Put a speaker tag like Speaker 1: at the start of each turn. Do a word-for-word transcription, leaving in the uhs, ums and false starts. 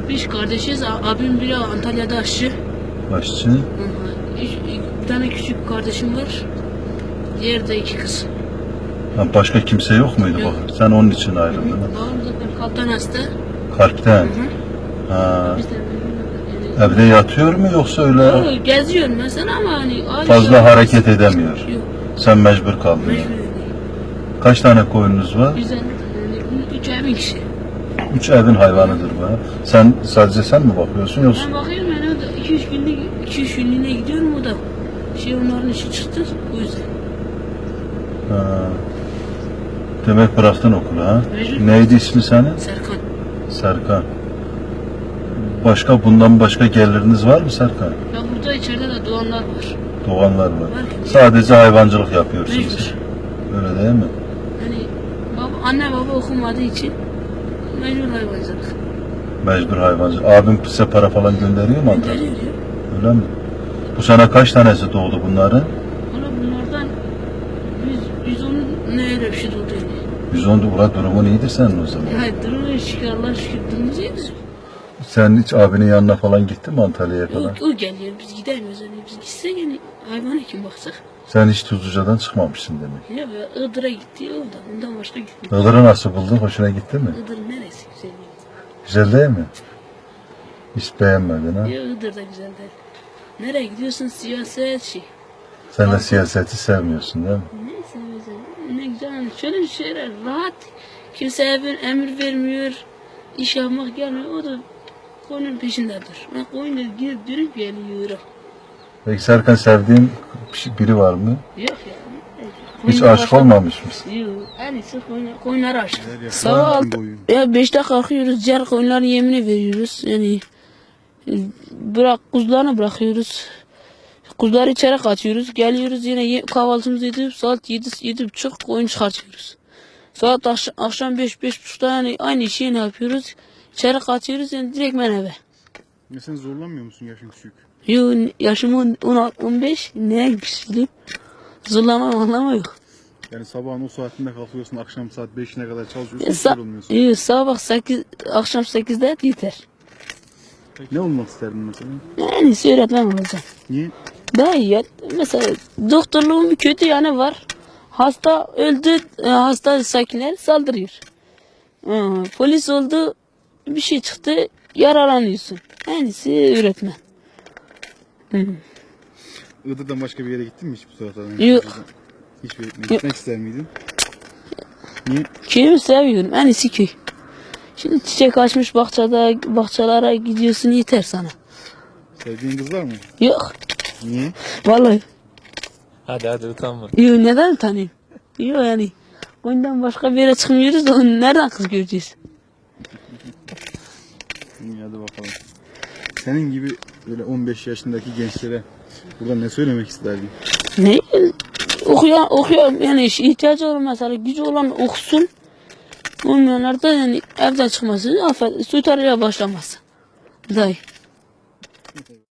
Speaker 1: Biz kardeşiz. Abim biri Antalya'da aşçı.
Speaker 2: Aşçı.
Speaker 1: Hı hı. Bir tane küçük kardeşim var. Diğer de iki kız.
Speaker 2: Ha, başka kimse yok muydu
Speaker 1: Yok.
Speaker 2: bak? Sen onun için ayrıldın. ha?
Speaker 1: Babam zaten kalpten hasta.
Speaker 2: Kalpten.
Speaker 1: Hı hı.
Speaker 2: Ha.
Speaker 1: Biz de yani,
Speaker 2: Evde yatıyor mu yoksa öyle
Speaker 1: Yo, geziyor mesela ama hani
Speaker 2: fazla hareket edemiyor?
Speaker 1: Yok.
Speaker 2: Sen mecbur kaldın.
Speaker 1: Mecbur
Speaker 2: yani.
Speaker 1: değil.
Speaker 2: Kaç tane koyununuz var?
Speaker 1: Bizden yani, üç evin kişi.
Speaker 2: Üç evin hayvanıdır bu. ha? Sen sadece sen mi bakıyorsun yoksa?
Speaker 1: Ben bakıyorum yani o da iki üç günlük iki üç günlüğüne gidiyorum o da. Şey onların işi çıktı o yüzden.
Speaker 2: Ha. Demek bıraktın okulu ha?
Speaker 1: Mecbur.
Speaker 2: Neydi ismi senin?
Speaker 1: Serkan.
Speaker 2: Serkan. Başka bundan başka geliriniz var mı Serkan?
Speaker 1: Ya burada içeride de doğanlar var.
Speaker 2: Doğanlar var.
Speaker 1: Var.
Speaker 2: Sadece hayvancılık yapıyorsunuz.
Speaker 1: Mecbur.
Speaker 2: Öyle değil mi?
Speaker 1: Hani baba, anne baba okumadığı için mecbur hayvancılık.
Speaker 2: Mecbur hayvancılık. Abim size para falan gönderiyor mu Antalya'ya?
Speaker 1: Gönderiyor ya.
Speaker 2: Öyle mi? Bu sene kaç tanesi doğdu bunların?
Speaker 1: Valla bunlardan yüz, yüz on ne öyle bir şey oldu yani.
Speaker 2: yüz on ulan durumun iyidir senin o zaman.
Speaker 1: Ya durumu şükür Allah'a şükür durumumuz iyi bizim.
Speaker 2: Sen hiç abinin yanına falan gittin mi Antalya'ya falan?
Speaker 1: O, o geliyor biz gidemiyoruz hani biz gitsek yani hayvana kim bakacak?
Speaker 2: Sen hiç Tuzluca'dan çıkmamışsın demek.
Speaker 1: Ya be, Iğdır'a gitti o da ondan başka gitmiyor.
Speaker 2: Iğdır'ı nasıl buldun? Hoşuna gitti mi?
Speaker 1: Iğdır neresi güzel değil.
Speaker 2: Güzel değil mi? Hiç beğenmedin ha?
Speaker 1: Ya Iğdır da güzel değil. Nereye gidiyorsun siyaset şey.
Speaker 2: Sen de
Speaker 1: Kalkın.
Speaker 2: siyaseti sevmiyorsun değil mi?
Speaker 1: Neyse mesela ne güzel hani şöyle şeyler rahat. Kimseye bir emir vermiyor. İş yapmak gelmiyor o da koyunun peşindedir. Ben koyunla gidip dönüp geliyorum.
Speaker 2: Peki Serkan sevdiğin biri var mı?
Speaker 1: Yok ya.
Speaker 2: Hiç
Speaker 1: Koyunlar
Speaker 2: aşık
Speaker 1: başka-
Speaker 2: olmamış mısın?
Speaker 1: Yok. En iyisi koyunlar, koyunlara aşık.
Speaker 3: Sabah
Speaker 1: Sabah altı, ya beşte kalkıyoruz, diğer koyunların yemini veriyoruz. Yani e, bırak kuzularını bırakıyoruz. Kuzuları içeri katıyoruz. Geliyoruz yine ye, kahvaltımızı edip saat yedi, yedi buçuk koyun çıkartıyoruz. Saat akş akşam beş, beş buçukta yani aynı şeyi ne yapıyoruz? İçeri katıyoruz yani direkt ben eve.
Speaker 3: Ya sen zorlanmıyor musun yaşın küçük?
Speaker 1: Yo, yaşım on, on, on beş, neye güçlüyüm? Zorlama anlama yok.
Speaker 3: Yani sabahın o saatinde kalkıyorsun, akşam saat beşine kadar çalışıyorsun,
Speaker 1: E,
Speaker 3: hiç
Speaker 1: sa
Speaker 3: yorulmuyorsun.
Speaker 1: yo, sabah sekiz, akşam sekizde yeter.
Speaker 3: Ne olmak isterdin mesela?
Speaker 1: En iyisi öğretmen olacağım.
Speaker 3: Niye?
Speaker 1: Daha iyi ya. Mesela doktorluğun bir kötü yanı var. Hasta öldü, e, hasta sakinler saldırıyor. Aa, polis oldu, bir şey çıktı, yaralanıyorsun. En iyisi öğretmen. Hı.
Speaker 3: Iğdır'dan başka bir yere gittin mi hiç bu saatte?
Speaker 1: Yok.
Speaker 3: Hiçbir yere gitmek ister miydin? Niye?
Speaker 1: Köyümü seviyorum, en iyisi köy. Şimdi çiçek açmış bahçede, bahçelere gidiyorsun yeter sana.
Speaker 3: Sevdiğin kız var mı?
Speaker 1: Yok,
Speaker 3: Niye?
Speaker 1: vallahi.
Speaker 4: Hadi hadi utanma.
Speaker 1: Yok, neden utanayım? Yok yani. Ondan başka bir yere çıkmıyoruz da onu nereden kız göreceğiz?
Speaker 3: İyi hadi bakalım. Senin gibi böyle on beş yaşındaki gençlere burada ne söylemek isterdin?
Speaker 1: Ne? Okuyan, okuyan yani ihtiyacı olan mesela gücü olan okusun. Olmayanlar da yani evden çıkması, affet, soytarıya başlaması. Dayı.